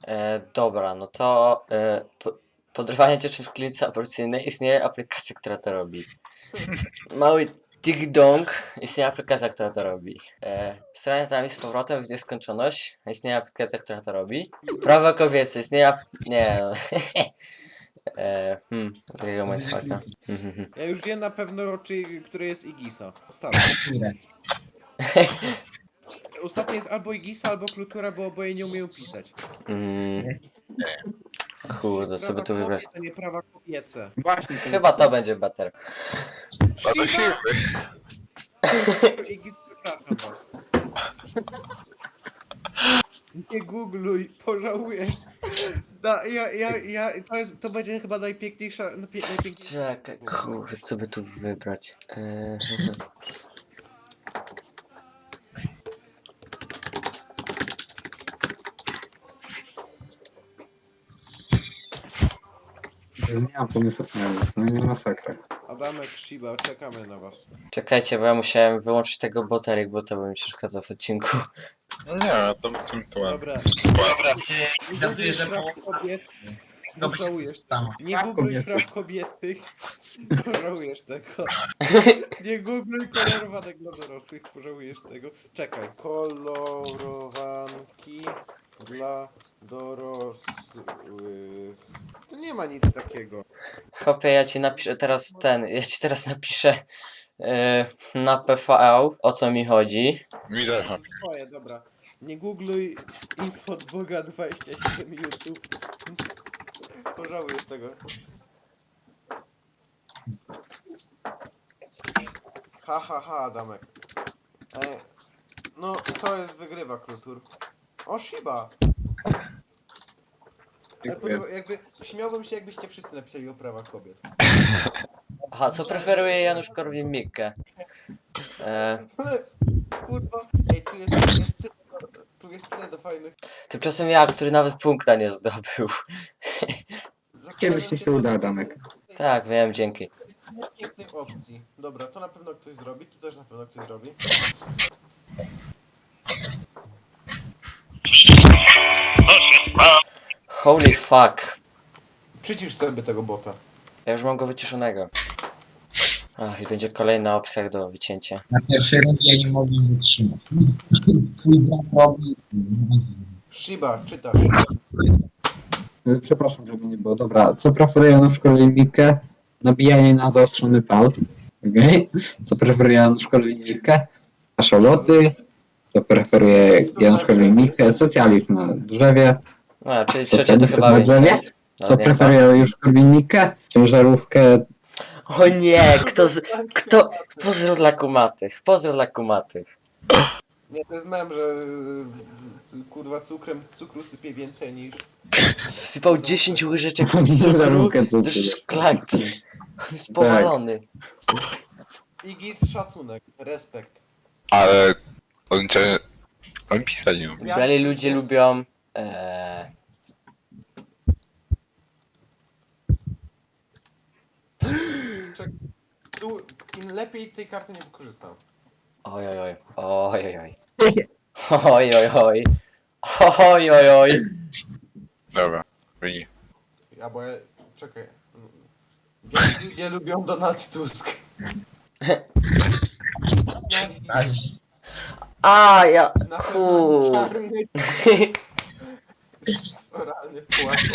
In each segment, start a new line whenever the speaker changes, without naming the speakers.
Dobra, no to podrywanie dziewczyn w klinice aborcyjnej istnieje aplikacja, która to robi. Mały Tik-Dong istnieje aplikacja, która to robi. Strania tam i z powrotem w nieskończoność istnieje aplikacja, która to robi. Prawa kobiece istnieje nie no. Takiego mindfucka.
Ja już wiem na pewno, który jest Igisa. Ostatni.
Ile?
Ostatni jest albo Igisa, albo Klutura, bo oboje nie umieją pisać.
Mm, Kurde, co by tu wybrać?
To nie prawa kobiece.
Właśnie.
Chyba to będzie better.
Shiba! Igis, przepraszam was. Nie googluj, pożałujesz. To będzie chyba najpiękniejsza.
Czekaj, kurde, co by tu wybrać?
Nie mam pomysłu na nic, no nie masakra.
Adamek, Shiba, czekamy na was.
Czekajcie, bo ja musiałem wyłączyć tego boterik, bo to by mi przeszkadzał w odcinku.
No nie, to tym tyłem.
Dobra.
Żartuję, że
praw kobiet,
Dobrze.
pożałujesz.
Samo.
Nie
Praw
googluj
kobiecych.
praw kobietych, pożałujesz tego. Nie googluj kolorowanek dla dorosłych, pożałujesz tego. Czekaj, kolorowanki dla dorosłych. Tu nie ma nic takiego.
Chłopie, ja ci teraz napiszę na PV, o co mi chodzi.
Mi też ma.
Twoje, dobra. Nie googluj info od Boga 27 YouTube. Pożałujesz tego. Ha, Adamek. No, to jest wygrywa Kultur. O, Shiba!
Dziękuję.
Jakby, śmiałbym się, jakbyście wszyscy napisali o prawach kobiet.
Aha, co preferuje Janusz Korwin-Mikke?
Kurwa, ej, tu jest tyle do fajnych.
Tymczasem ja, który nawet punkta nie zdobył.
Kiedyś mi się uda, Adamek.
Tak, wiem, dzięki.
Jest tyle pięknych opcji. Dobra, to na pewno ktoś zrobi, to też na pewno ktoś zrobi.
Holy fuck.
Przycisz sobie tego bota.
Ja już mam go wyciszonego. Ach, i będzie kolejna opcja do wycięcia.
Na pierwszej rundzie nie mogli wytrzymać. Twój brat robi...
Shiba, czytasz.
Przepraszam, żeby nie było. Dobra, co preferuje Janusz Korwin-Mikke? Nabijanie na zaostrzony pal. Okej. Co preferuje Janusz Korwin-Mikke? Kaszaloty. Co preferuje Janusz Korwin-Mikke? Socjalizm na drzewie.
No, czyli
Co
trzecie to
tenisy
chyba
na drzewie?
Vincent. No,
Co
nie,
preferuje Janusz Korwin-Mikke? Ciężarówkę.
O nie, kto... Pozdro dla kumatych, pozdro dla kumatych.
Nie, to jest mem, że kurwa cukru sypie więcej niż...
Wsypał 10 łyżeczek cukru
Ciężarówkę
do
cukru.
szklanki. On jest powalony.
Igis, szacunek, respekt.
Ale oni pisali ją.
Biali ludzie lubią...
Tu im lepiej tej karty nie wykorzystam.
Ojojoj, ojojoj. Ojojoj. Ojojoj.
Dobra, wyni.
Albo ja... Czekaj. Biali ludzie lubią Donald Tusk.
A, ja...
Na
Kur...
pewno czarny... Oralny płaszcz.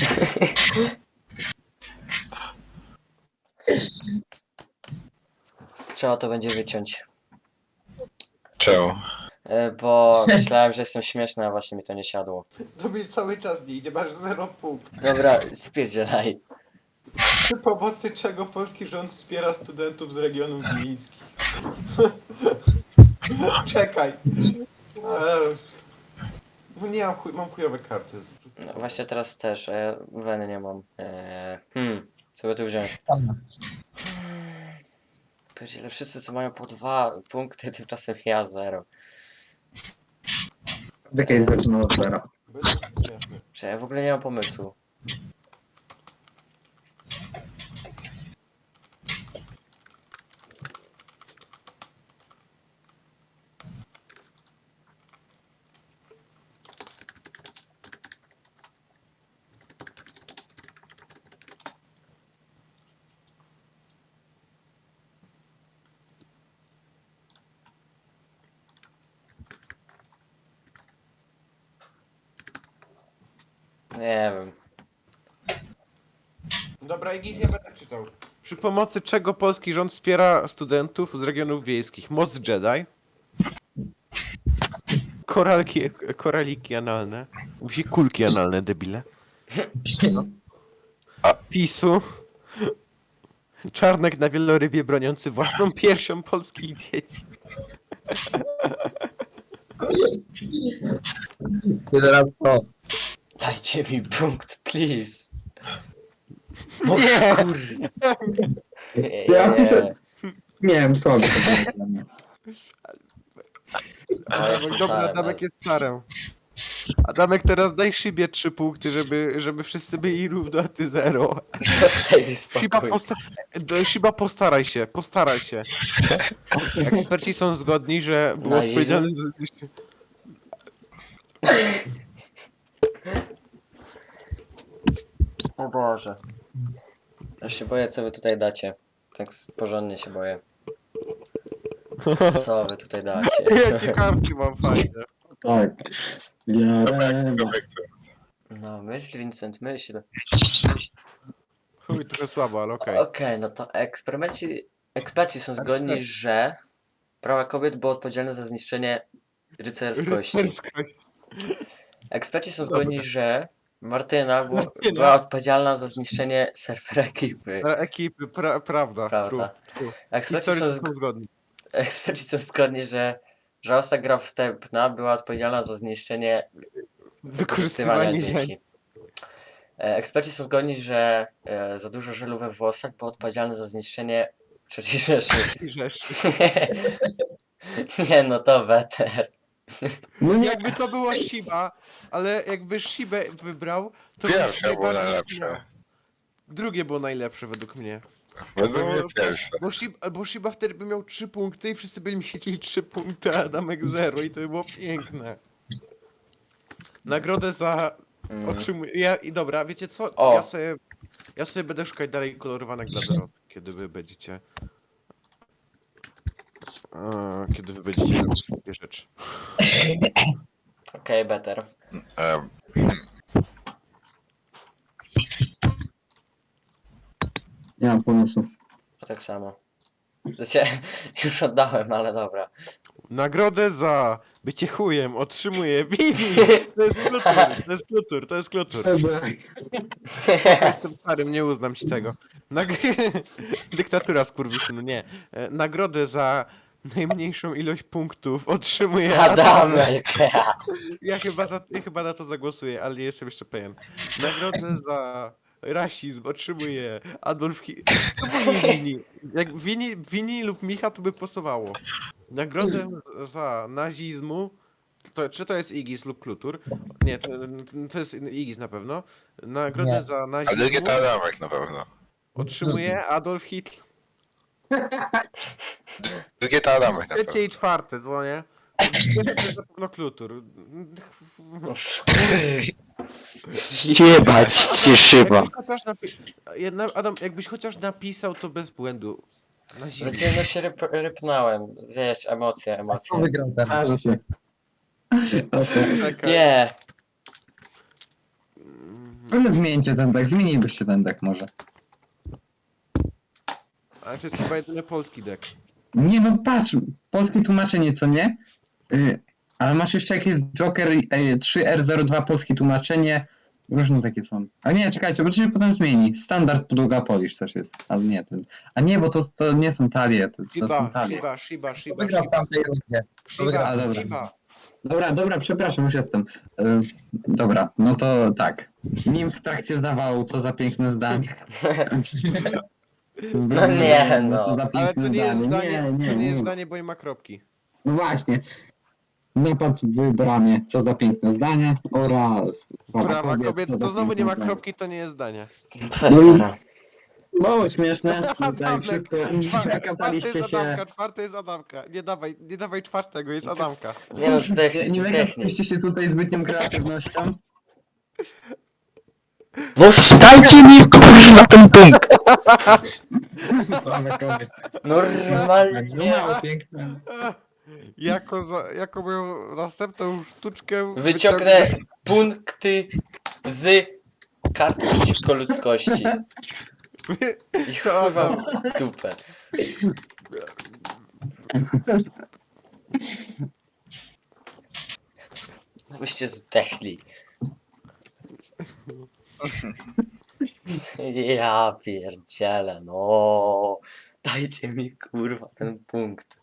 Trzeba to będzie wyciąć.
Czemu?
Bo myślałem, że jestem śmieszny, a właśnie mi to nie siadło.
Tobie cały czas nie idzie, masz 0 punktów.
Dobra, spierdzielaj.
Przy pomocy czego polski rząd wspiera studentów z regionów wiejskich? Czekaj. No nie mam chujowe karty.
No, właśnie teraz też, a ja weny nie mam. Co by tu wziąć? Pierdziele, wszyscy co mają po 2 punkty, tymczasem ja 0.
Jakieś zaczynał od zera.
Bo jest to śmieszne.
Czy ja w ogóle nie mam pomysłu. Nie wiem.
Dobra, Igis, ja będę czytał. Przy pomocy czego polski rząd wspiera studentów z regionów wiejskich? Most Jedi. Koraliki analne. Musi kulki analne, debile. PiSu. Czarnek na wielorybie broniący własną piersią polskich dzieci.
Teraz to.
Dajcie mi punkt, please. No
Nie.
kurde.
Ja pisałem. Nie wiem, słabe to było dla mnie.
O, jestem
Dobra,
czarem,
Adamek jest czarem. Adamek, teraz daj Szybie 3 punkty, żeby wszyscy byli równo, a ty 0.
Daj mi
Shiba,
spokój.
Shiba, postaraj się. Eksperci są zgodni, że było
Na
odpowiedzialne za...
O Boże. Ja się boję, co wy tutaj dacie. Tak porządnie się boję. Co wy tutaj dacie?
Jakie karty mam fajne.
Tak. Jarema.
No, myśl, Vincent, myśl.
Chuj, trochę słabo, ale okej.
Okej, no to eksperci są zgodni, że prawa kobiet było odpowiedzialne za zniszczenie rycerskości.
Rycerskość.
Eksperci są
Dobra.
zgodni, że Martyna
Martyna.
była odpowiedzialna za zniszczenie serwera ekipy.
Ekipy, prawda.
Prawda.
True.
Eksperci
Historycy
są,
są zgodni.
eksperci są zgodni, że żałosna gra wstępna była odpowiedzialna za zniszczenie wykorzystywania
Wykorzystywanie dzieci.
dzieci. Eksperci są zgodni, że za dużo żelu we włosach było odpowiedzialne za zniszczenie III Rzeszy. Nie, no to better.
No nie,
Jakby to była Shiba, ale jakby Shibę wybrał, to
Pierwsze
by
było
najbardziej
najlepsze.
śmiał. Drugie było najlepsze według mnie.
Według mnie
Bo-
pierwsze.
Bo Shiba wtedy by miał 3 punkty i wszyscy by mieli 3 punkty, a Adamek 0 i to by było piękne. Nagrodę za otrzymuję. I dobra, wiecie co?
O.
Ja sobie będę szukać dalej kolorowanek dla dorosłych, kiedy wy będziecie. Kiedy wy będziecie robić takie rzeczy.
Okej, better.
Em,
nie mam pomysłu.
A tak samo. Znaczy, już oddałem, ale dobra.
Nagrodę za bycie chujem otrzymuje Vivi! To jest klutur. Jestem starym, nie uznam ci tego. Dyktatura skurwysynu, nie. Nagrodę za najmniejszą ilość punktów otrzymuje
Adamek!
Ja chyba na to zagłosuję, ale nie jestem jeszcze pewien. Nagrodę za rasizm otrzymuje Adolf Hitler. To był Wini. Jak Wini lub Micha to by pasowało. Nagrodę za nazizmu. Czy to jest Igis lub Klutur? Nie, to jest Igis na pewno. Nagrodę
Nie.
za
A
nazizmu
drugie to Adamek na pewno.
otrzymuje Adolf Hitler.
Drugie to Adamek na
Trzecie
pewno.
i czwarte, co nie? Pierwsze to jest na pewno Klutur.
Jebać ci szyba.
Jakbyś chociaż Adam, jakbyś chociaż napisał to bez błędu. Na zimę.
Znaczy, no się rypnąłem. Wiesz, emocje.
Wygrał ten. Każe się.
Czekaj.
Nie!
Może zmieńcie ten deck, zmienilibyście ten deck może.
Ale to jest chyba jedyny polski deck.
Nie no patrz, polskie tłumaczenie co nie? Ale masz jeszcze jakieś Joker 3R02 polskie tłumaczenie. Różne takie są. A nie, czekajcie, bo to się potem zmieni. Standard podłoga Polish też jest. Ale nie, to nie, bo to nie są talie, to są talie.
Shiba.
A, dobra. Dobra, przepraszam, już jestem. Dobra, no to tak. Nim w trakcie zdawał, co za piękne zdanie.
No nie, no.
Co za
Ale to
piękne
nie jest
zdanie.
zdanie, to nie jest
nie.
zdanie, bo nie ma kropki.
No właśnie. Napad w bramie, co za piękne zdanie oraz
Prawa kobiet,
co za
to znowu nie ma
piękne
kropki, to nie jest zdanie.
Twoja stara.
Mało śmieszne, tutaj
Adamek,
wszystko
Czwarty
kapaliście
jest
się.
Adamka, czwarty jest Adamka. Nie dawaj czwartego, jest Adamka.
Nie no, zdechnij,
Nie
zdechnij.
wykapaliście się tutaj zbytnią kreatywnością.
No dajcie mi kurwa ten punkt!
Same kobiety. No
Normalnie.
mało piękne.
Jako moją następną sztuczkę
Wyciągnę punkty z karty przeciwko ludzkości. I chyba w dupę. Byście zdechli. Ja pierdzielę, no. Dajcie mi kurwa ten punkt.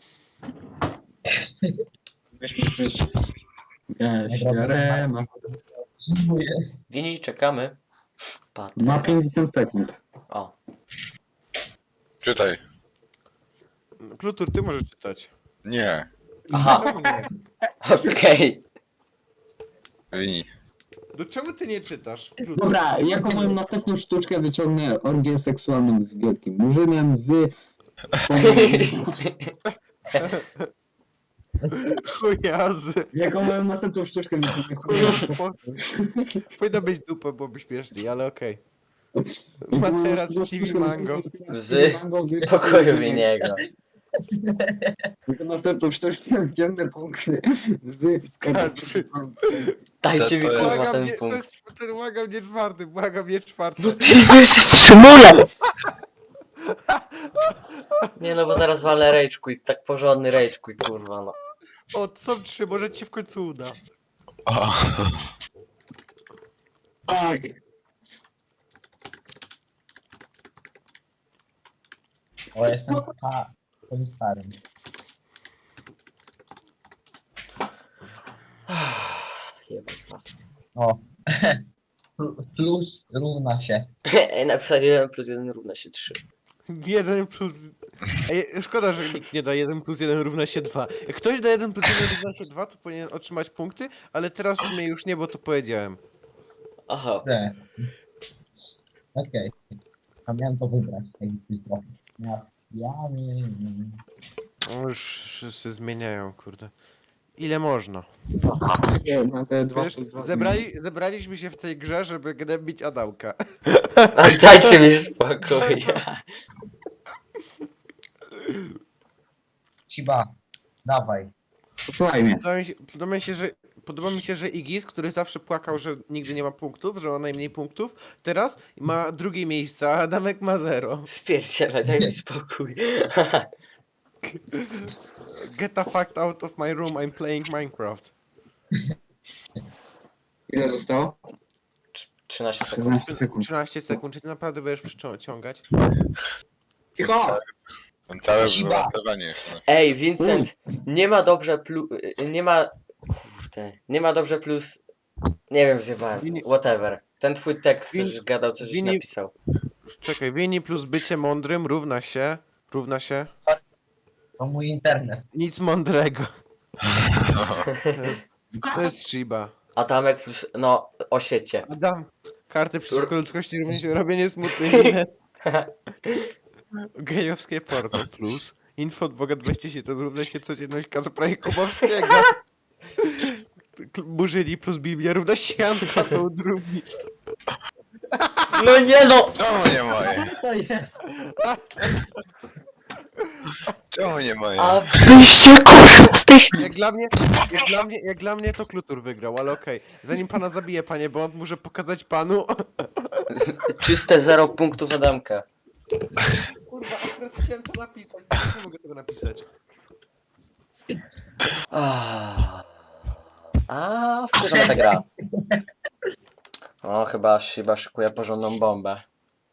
Myśl. Jarema.
Wini, czekamy.
Ma
Patera.
50 sekund.
O,
Czytaj.
Klutur, ty możesz czytać.
Nie.
aha,
Czemu nie?
okej.
Wini.
Do czemu ty nie czytasz? Klutur.
Dobra, jako moją następną sztuczkę wyciągnę orgię seksualną z wielkim murzynem z...
Chujazy.
Jako moją następną sztuczkę wyciągnę
Powinna być dupa, byłoby śmieszniej, ale okej.
Jako moją
Materac
następną
Stevie
sztuczkę
Mango.
Z pokoju Winiego.
Jako następną sztuczkę wyciągnę punkty z...
Dajcie mi
To- to-
kurwa
Błagam,
ten
nie, to
punkt.
jest, ten błagam nie czwarty, błagam nie czwarty.
No ty wystrzymule! Nie no, bo zaraz walę rage quit, tak porządny rage quit, kurwa no.
O, są trzy, może ci się w końcu uda.
O.
Tak.
O, jestem tym starym.
Jebać was.
O. Plus równa się.
Ej, napisać 1 plus 1 równa się 3.
1 plus... Ej, szkoda, że nikt nie da 1 plus 1 równa się 2. Jak ktoś da 1 plus 1 równa się 2, to powinien otrzymać punkty, ale teraz w sumie już nie, bo to powiedziałem.
Aha.
D. Okej. A miałem to wybrać. Tak trochę. Ja nie.
O, już wszyscy zmieniają, kurde. Ile można?
Na te dwa
Wiesz,
plus dwa.
zebraliśmy się w tej grze, żeby gnębić Adałka.
A dajcie mi spokój.
Shiba. Dawaj.
Posłuchaj mnie.
Podoba mi się, że Igis, który zawsze płakał, że nigdy nie ma punktów, że ma najmniej punktów, teraz ma drugie miejsce, a Adamek ma 0.
Spierdzielaj, daj mi spokój.
Get the fuck out of my room, I'm playing Minecraft.
Ile zostało?
13 sekund.
14 sekund.
13 sekund, czy ty naprawdę będziesz przyciągać?
Cicho!
Ten całe wylasowanie jeszcze.
Ej, Vincent, nie ma dobrze plus... Nie ma... Kurde, nie ma dobrze plus... Nie wiem, zjebałem.
Wini-
Whatever. Ten twój tekst,
Wini-
coś gadał, coś
Wini-
napisał.
Czekaj, Wini plus bycie mądrym równa się...
To mój internet.
Nic mądrego. To jest Shiba.
Adamek plus... No, o świecie.
Adam, karty przeciwko ludzkości równie się robienie smutnej miny. Gejowskie porno plus. Info od Boga 27 równa się codzienność Kacpra Kubowskiego. Burzyli plus Biblia równa się Antoną drugi.
No nie no!
Czemu nie moje?
To jest.
Czemu nie moje?
A byście kurwa z tych...
Jak dla mnie to Klutur wygrał, ale okej. Zanim pana zabije, panie Bond, muszę pokazać panu.
Czyste 0 punktów Adamka.
Kurwa, akurat chciałem to napisać. Nie mogę tego napisać.
Wkurzona ta gra. O, chyba szykuje porządną bombę.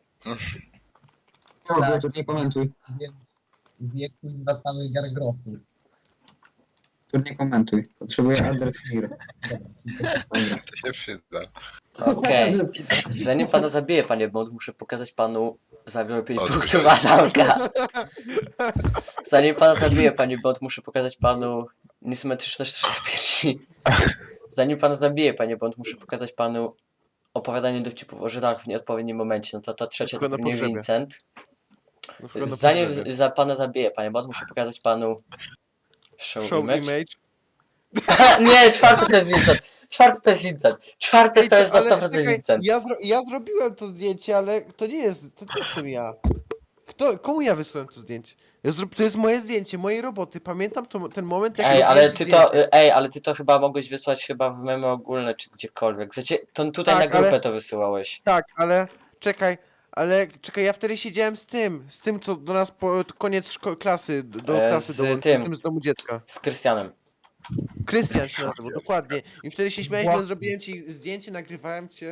No, to nie komentuj.
W wieku zwracamy gargrofu.
Tu nie komentuj. Potrzebuję adres Fir.
To się przyda.
Okej. Zanim pana zabiję, panie Bond, muszę pokazać panu... Zabiłem 5
Okej.
punktów Adamka. Zanim pana zabiję, panie Bond, muszę pokazać panu niesymetryczne sztuczne piersi. Zanim pana zabiję, panie Bond, muszę pokazać panu opowiadanie dowcipów o Żydach w nieodpowiednim momencie. No to trzecie to
Tylko na
pewnie
pogrzebie.
Vincent.
Na przykład na
Zanim
pogrzebie.
za pana zabiję, panie Bond, muszę pokazać panu show image. Nie, czwarty to jest Vincent. Czwarty to jest Vincent. Czwarty to jest na
Ale
100%
czekaj,
Vincent.
Ja zrobiłem to zdjęcie, ale to nie jestem ja. Komu ja wysłałem to zdjęcie? To jest moje zdjęcie, mojej roboty. Pamiętam ten moment, jak
Ej,
robiłem
ale
ci
ty
zdjęcie.
to, ej, ale ty to chyba mogłeś wysłać chyba w memy ogólne czy gdziekolwiek. Znaczy, to tutaj
Tak,
na grupę
ale-
to wysyłałeś.
Tak, ale czekaj, ja wtedy siedziałem z tym co do nas koniec klasy, do klasy
Z
dołączył,
tym.
tym z domu dziecka.
Z Krystianem.
Krystian się nazywał, dokładnie. I wtedy się śmialiśmy, zrobiłem ci zdjęcie, nagrywałem cię.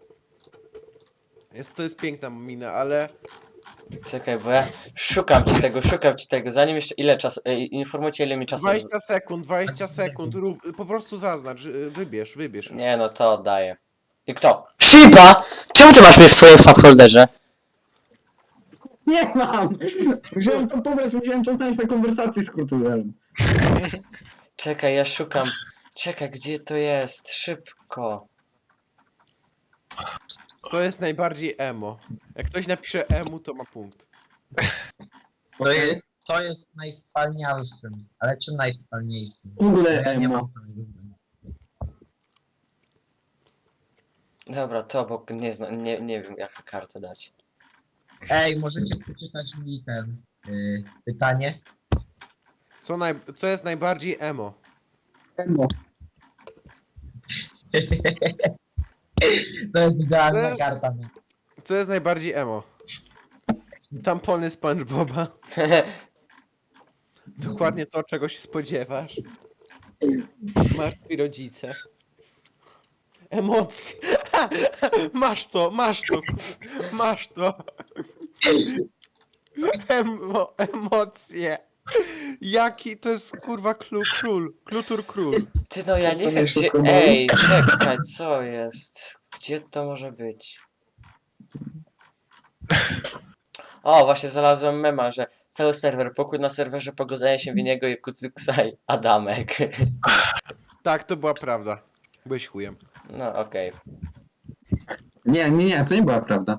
To jest piękna mina, ale...
Czekaj, bo ja szukam ci tego. Zanim jeszcze, ile czasu, informujcie ile mi czasu...
20 sekund, po prostu zaznacz, wybierz.
Nie no, to oddaję. I kto? Shiba! Czemu ty masz mnie w swoim folderze?
Nie mam! Musiałem to pobrać, musiałem czas znaleźć na konwersacji z Kurtuzerem.
Czekaj, ja szukam. Czekaj, gdzie to jest? Szybko.
Co jest najbardziej emo? Jak ktoś napisze emu, to ma punkt.
To jest najwspanialszym, ale czym najwspanialniejszym?
W ogóle
Nie
emo.
mam samego zdania.
Dobra, to bo nie wiem jaką kartę dać.
Ej, możecie przeczytać mi pytanie?
Co jest najbardziej emo?
Emo.
To jest idealna
Co?
karta. No.
Co jest najbardziej emo? Tampony SpongeBoba. Dokładnie to, czego się spodziewasz. Martwi rodzice. Emocje. Masz to. Emocje. Jaki to jest kurwa król.
Ty no ja nie
To
wiem
nie
gdzie...
szybko
Ej, czekaj, co jest? Gdzie to może być? O, właśnie znalazłem mema, że cały serwer, pokój na serwerze, pogodzenie się Winiego i Kucyksa i Adamek.
Tak, to była prawda. Byłeś chujem.
No okej.
Nie, to nie była prawda.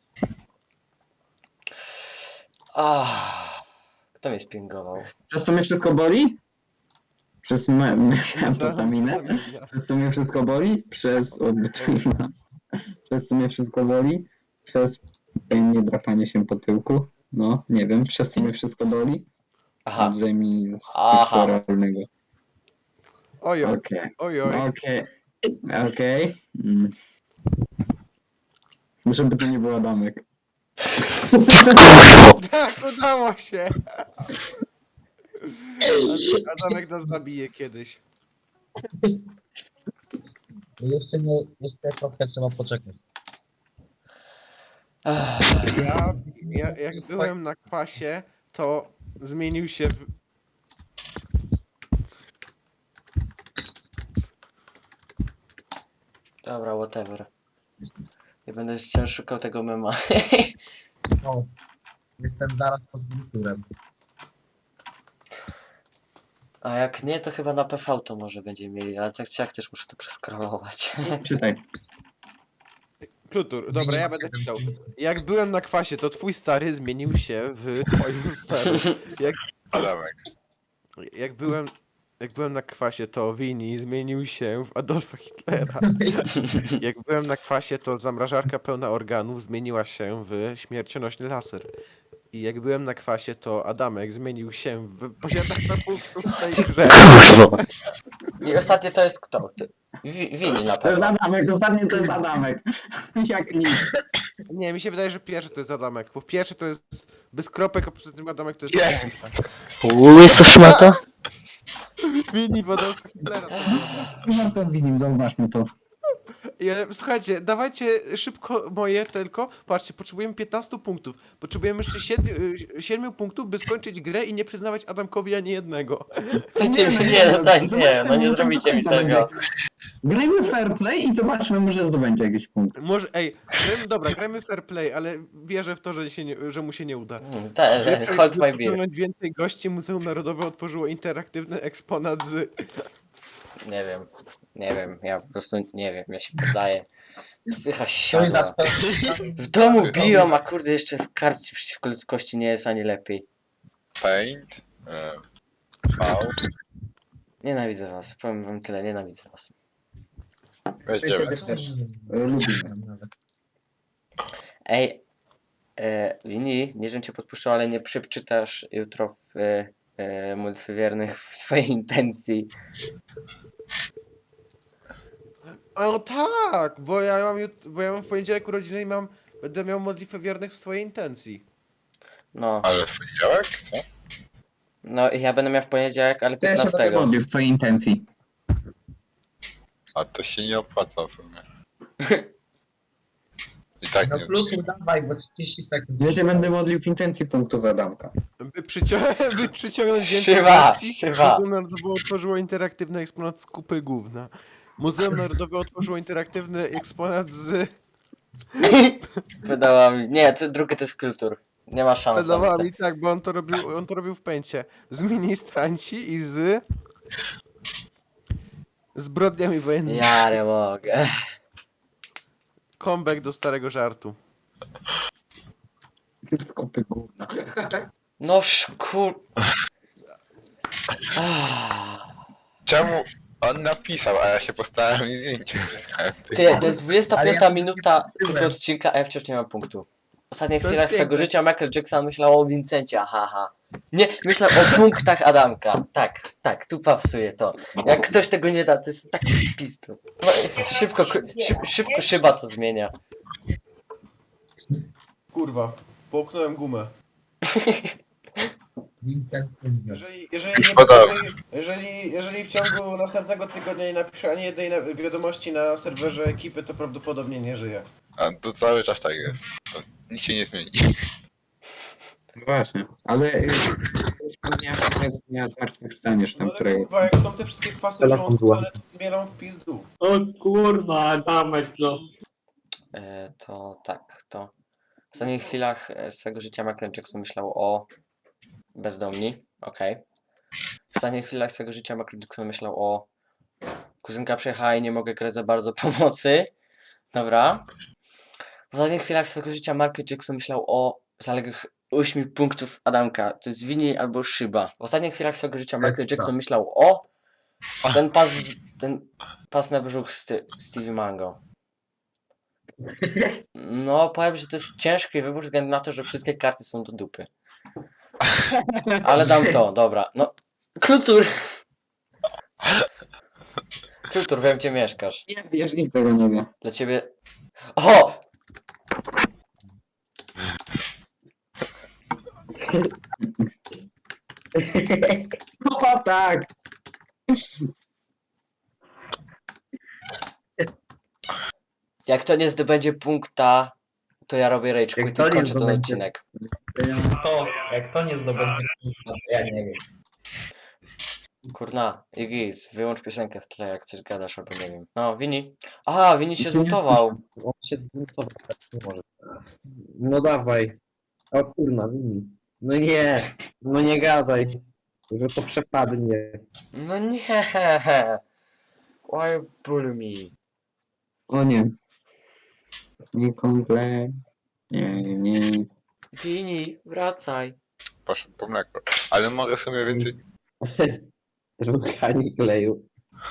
Kto mnie spingował?
Przez to mnie wszystko boli? Przez amfetaminę? Przez to mnie wszystko boli? Przez odbytwina. Przez to mnie wszystko boli? Przez nie drapanie się po tyłku? No, nie wiem. Przez to mnie wszystko boli?
Aha,
Andrzej mi
aha.
sektoralnego.
Ojoj,
Okej.
ojoj.
Okej. Żeby to nie był Adamek.
Tak, udało się. Adamek nas zabije kiedyś.
Jeszcze trochę trzeba poczekać.
Jak byłem na kwasie, to zmienił się w...
Dobra, whatever. Nie będę wciąż szukał tego mema.
No, jestem zaraz pod kulturem.
A jak nie, to chyba na PV to może będziemy mieli, ale tak czy jak też muszę to przeskrolować.
Czytaj.
Klutur, dobra, ja będę czytał. Jak byłem na kwasie, to twój stary zmienił się w twoim starym.
Adamek.
Jak byłem na kwasie, to Wini zmienił się w Adolfa Hitlera. Jak byłem na kwasie, to zamrażarka pełna organów zmieniła się w śmiercionośny laser. I jak byłem na kwasie, to Adamek zmienił się w posiadacza punktów w tej grze.
I ostatnie to jest kto? Wini na
To jest
pewno.
Adamek, dokładnie to jest Adamek. Jak nic.
Nie, mi się wydaje, że pierwszy to jest Adamek, bo pierwszy to jest bez kropek, a poza tym Adamek to jest...
Yes!
Łyso szmato?
Wini w Adolfa Hitlera.
No to widzimy, zauważmy to.
Słuchajcie, dawajcie szybko moje tylko. Patrzcie, potrzebujemy 15 punktów. Potrzebujemy jeszcze 7 punktów, by skończyć grę i nie przyznawać Adamkowi ani jednego.
No nie zrobicie mi tego.
Grajmy fair play i zobaczmy, może zdobędzie jakiś punkt.
Może, grajmy fair play, ale wierzę w to, że mu się nie uda.
Hold my beer.
Przyciągnąć więcej gości, Muzeum Narodowe otworzyło interaktywny eksponat z...
Nie wiem, ja po prostu nie wiem, ja się poddaję. Psycha
To jest
siadła. W domu biją, a kurde jeszcze w karcie przeciwko ludzkości nie jest ani lepiej.
Paint. V.
Nienawidzę was, powiem wam tyle, nienawidzę was.
Weź
Ja siebie
dziewięć.
też. Lubimy.
Ej, Wini, nie żebym cię podpuszczał, ale nie przeczytasz jutro w modlitwy wiernych w swojej intencji.
O tak, bo ja mam w poniedziałek urodziny i będę miał modlitwę wiernych w swojej intencji.
No,
Ale w poniedziałek? Co?
no i ja będę miał w poniedziałek, ale
To ja się będę
15.
modlił w twojej intencji.
A to się nie opłaca w sumie. I tak
No
nie.
plus dawaj, bo 30 sekund.
Ja się będę modlił w intencji punktów Adamka.
By przyciągnąć
Szywa,
akcji,
szywa.
Muzeum Narodowe otworzyło interaktywny eksponat z kupy gówna. Muzeum Narodowe otworzyło interaktywny eksponat z
Pedałami. Nie, to drugie to jest kultur. Nie ma szans.
pedałami, tak, bo on to robił w pęcie. Z ministranci i z zbrodniami wojennymi.
Ja nie mogę.
Comeback do starego żartu.
Kopy gówna.
No szkur... Ah.
Czemu on napisał, a ja się postarałem i zdjęcie wysłałem.
Ty, to jest 25
Ale ja
minuta
tyłem.
tego odcinka, a ja wciąż nie mam punktu. W ostatnich
To jest
chwilach swego
piękne.
życia Michael Jackson myślał o Vincencie, haha. Nie, myślał o punktach Adamka. Tak, tu pasuje to. Jak ktoś tego nie da, to jest taki pizdu. No, szybko szyba co zmienia.
Kurwa, połknąłem gumę.
Vincent,
Szkoda.
Jeżeli w ciągu następnego tygodnia nie napiszę ani jednej wiadomości na serwerze ekipy, to prawdopodobnie nie żyję.
A to cały czas tak jest. To nic się nie zmieni.
No właśnie, ale wspomniałeś o dnia zmartwychwstaniesz tam,
No ale
którego...
kurwa, jak są te wszystkie kwasy
Telefon
żołądku,
była.
ale to zmielam w pizdu.
O kurwa, damek no.
To tak, to w ostatnich chwilach swego życia Michael Jackson myślał o bezdomni, okej. W ostatnich chwilach swego życia Michael Jackson myślał o kuzynka przyjechała i nie mogę grać za bardzo pomocy. Dobra. W ostatnich chwilach swego życia Michael Jackson myślał o zaległych 8 punktów Adamka. To jest Winnie albo Szyba. W ostatnich chwilach swego życia Michael Jackson myślał o ten pas na brzuch Stevie Mango. No, powiem, że to jest ciężki wybór, ze względu na to, że wszystkie karty są do dupy. Ale dam to, dobra. No, kultur! Kultur, wiem, gdzie mieszkasz.
Nie wiesz, nikt tego nie wie.
Dla ciebie... O!
O tak!
Jak to nie zdobędzie punkta, to ja robię rage
Jak
quit
to
i
nie
kończę ten
zdobędzie-
odcinek.
To, jak to nie zdobędzie, to ja nie wiem.
Kurna, Igis, wyłącz piosenkę w tle, jak coś gadasz, albo nie wiem. No, Wini. Aha, Wini się zmutował.
On się zmutował, tak nie może. No dawaj. O kurna, Wini. No nie, no nie gadaj, że to przepadnie.
No nie. Why bully me?
O nie. Nie komple. Nie.
Wini, wracaj.
Poszedł po mleko. Ale mogę sobie więcej...
Ruchanie kleju.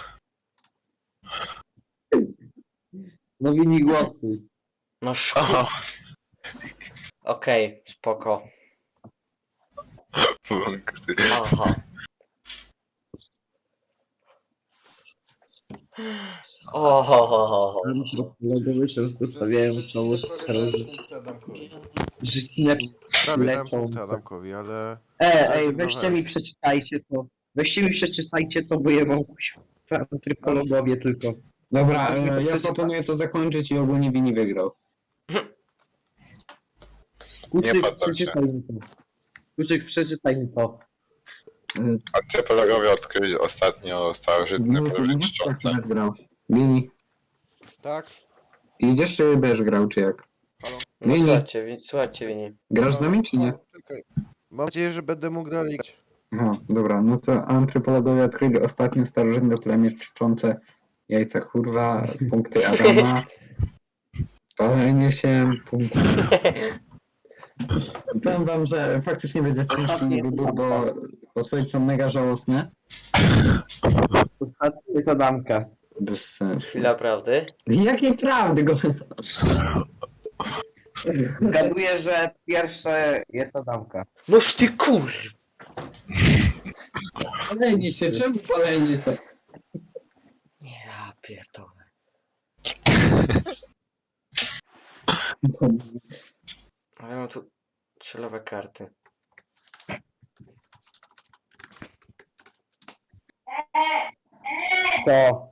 No Wini głosuj.
No szkoda. Okej, spoko. Aha. Ohohoho.
Logowy często stawiają znowu że
Prawie dałem
lecą.
punkty Adamkowi, ale...
Ej, weźcie mi przeczytajcie to. Weźcie mi przeczytajcie to, bo ja mam antropologowie tylko.
Dobra, ja proponuję to zakończyć i ogólnie Wini wygrał.
Kuczyk,
poddam się.
przeczytaj mi to. Kuczyk, przeczytaj mi to.
Antropologowie odkryli ostatnio starożytne
No to
pole
nie
czczące.
tak grał. Wini,
Tak?
idziesz czy będziesz grał, czy jak?
No
Wini,
słuchajcie, Wini.
grasz z nami, czy nie?
Czekaj. Mam nadzieję, że będę mógł dalej grać.
Aha, dobra, no to antropologowie odkryli ostatnio starożytne plemię czczące jajca kurwa, punkty Adama. Palenie się, punkty. Powiem wam, że faktycznie będzie ciężki wybór, bo odpowiedzi są mega żałosne.
Ostatnia to damka.
Bez sensu.
Chwila prawdy.
Jakiej prawdy go?
Zgaduję, że pierwsze jest Adamka.
Noż ty kur...
Paleni się, czemu paleni się?
Ja pierdolę. A ja mam tu celowe karty.
To.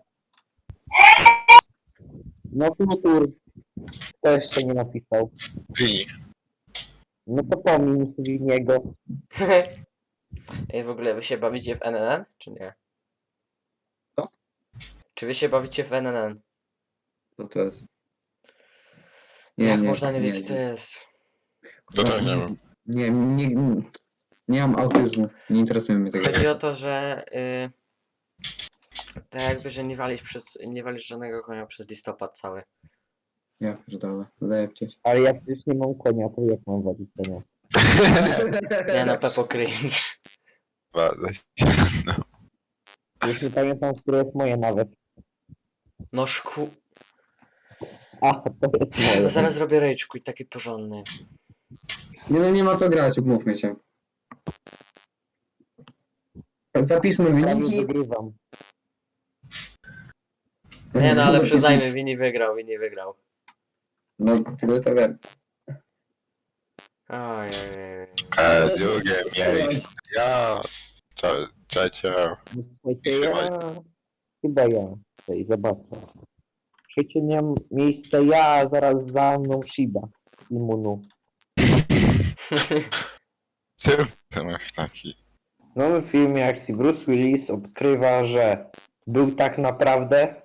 No Flutur. Kto jeszcze nie napisał?
Wini.
No to pomin Winiego.
Ej, w ogóle wy się bawicie w NNN, czy nie?
Co?
Czy wy się bawicie w NNN?
Co to jest?
Jak można nie wiedzieć, co to jest?
To tak nie wiem.
Nie mam autyzmu, nie interesuje mnie tego.
Chodzi o to, że tak jakby, że nie walisz żadnego konia przez listopad cały.
Ja pierdolę, lepcie się.
Ale ja przecież nie mam konia, to jak mam walić konia?
Nie no, Pepo cringe.
Badaj.
Już nie pamiętam, które jest moje nawet.
No szku...
A, to jest moje.
No zaraz zrobię rage i taki porządny.
Nie no, nie ma co grać, umówmy się. Zapiszmy
Prawie
wyniki.
wygrywam.
Nie no, ale przyznajmy, Vini wygrał.
No, tyle to wiem.
Ojej.
Drugie miejsce. Ja. Trzecie.
Słuchajcie, chyba ja. Tutaj zobaczę. Trzecie miejsce ja, a zaraz za mną Shiba. Imunu.
Czym ty masz taki?
W nowym filmie akcji Bruce Willis odkrywa, że był tak naprawdę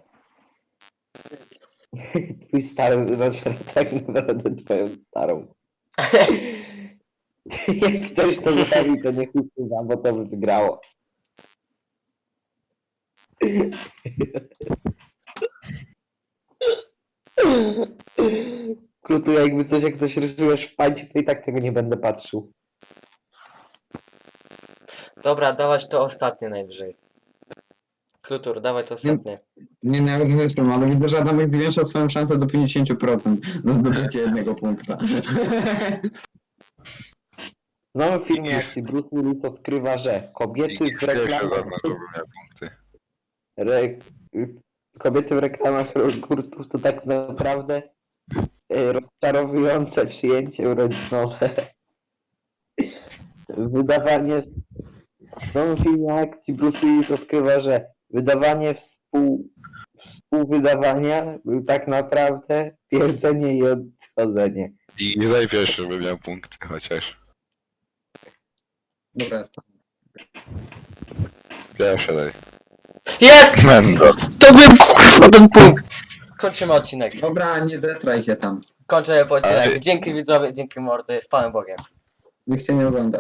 twój stary, znaczy tak naprawdę twoją starą. Jak ktoś to zrobi, to niech usuwa, bo to by wygrało. Krutu, jakby coś, jak coś rysujesz w pańcie, to i tak tego nie będę patrzył.
Dobra, dawać to ostatnie najwyżej. Klutur, dawaj to ostatnie.
Nie, no, ja już wyszłem, ale widzę, że Adamek zwiększa swoją szansę do 50% na zdobycie jednego punkta.
W nowym filmie akcji Bruce Willis odkrywa, że kobiety w
Pierwsze
reklamach...
zaznaczyłbym miał punkty.
Kobiety w reklamach jogurtów to tak naprawdę rozczarowujące przyjęcie urodzinowe. Wydawanie... W nowym filmie akcji Bruce Willis odkrywa, że wydawanie współwydawania był tak naprawdę twierdzenie i odchodzenie.
I za pierwszy bym miał punkty chociaż.
Dobra, jest to.
Pierwsze daj.
Jest!
Mendo.
To był kurwa ten punkt! Kończymy odcinek.
Dobra, nie zetraj się tam.
Kończymy odcinek.
Ale-
Dzięki widzowie, dzięki mordy, z Panem Bogiem.
Nikt cię nie ogląda.